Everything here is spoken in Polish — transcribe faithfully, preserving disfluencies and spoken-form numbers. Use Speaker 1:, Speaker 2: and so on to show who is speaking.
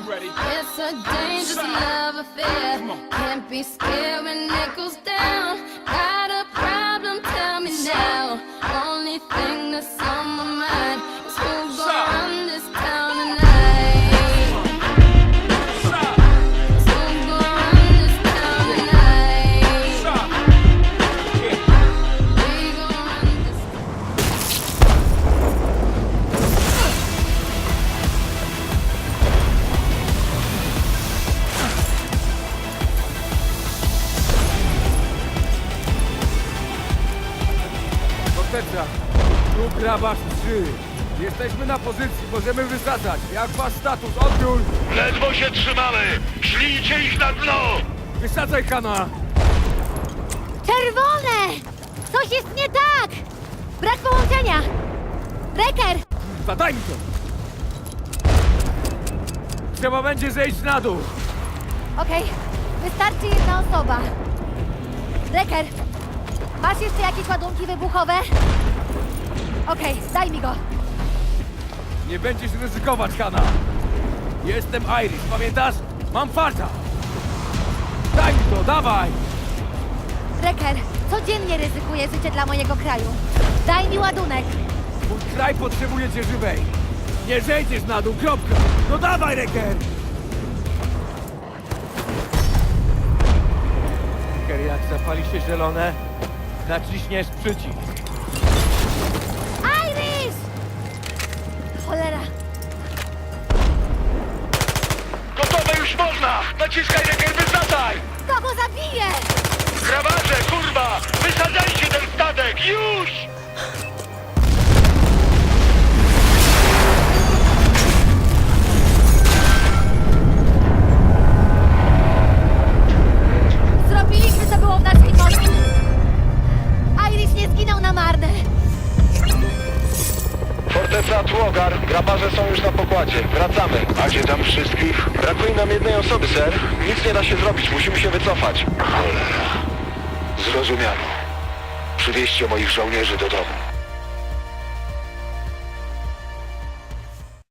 Speaker 1: It's a dangerous love affair. Can't be scared when it goes down. Got a problem? Tell me now. Only thing that's on my mind is who's gonna run this town tonight. Who's gonna run this town tonight? We gonna run this.
Speaker 2: Forteca, tu grabarz trzy. Jesteśmy na pozycji, możemy wysadzać. Jak wasz status? Odbiór!
Speaker 3: Ledwo się trzymamy! Szlijcie ich na dno!
Speaker 2: Wysadzaj, Kana!
Speaker 4: Czerwone! Coś jest nie tak! Brak połączenia! Reker!
Speaker 2: Zadaj mi to! Trzeba będzie zejść na dół.
Speaker 4: Okej, wystarczy jedna osoba. Reker! Masz jeszcze jakieś ładunki wybuchowe? Okej, daj mi go.
Speaker 2: Nie będziesz ryzykować, Kana. Jestem Iris, pamiętasz? Mam farta. Daj mi to, dawaj!
Speaker 4: Reker, codziennie ryzykuję życie dla mojego kraju. Daj mi ładunek.
Speaker 2: Mój kraj potrzebuje cię żywej. Nie zejdziesz na dół, kropka. No dawaj, Reker! Reker, jak zapali się zielone, naciśniesz przycisk.
Speaker 4: Iris! Cholera.
Speaker 3: Gotowe już można! Naciskaj, Reker, wysadzaj!
Speaker 4: Kto go zabije?
Speaker 3: Grabarze, kurwa! Wysadzajcie ten statek! Już!
Speaker 4: Zrobiliśmy, co było w naszej mocy. Iris nie zginął na marne.
Speaker 5: Forteca Tłogar, grabarze są już na pokładzie. Wracamy.
Speaker 3: A gdzie tam wszystkich?
Speaker 5: Brakuje nam jednej osoby, ser. Nic nie da się zrobić, musimy się wycofać.
Speaker 3: Cholera. Zrozumiano. Przywieźcie moich żołnierzy do domu.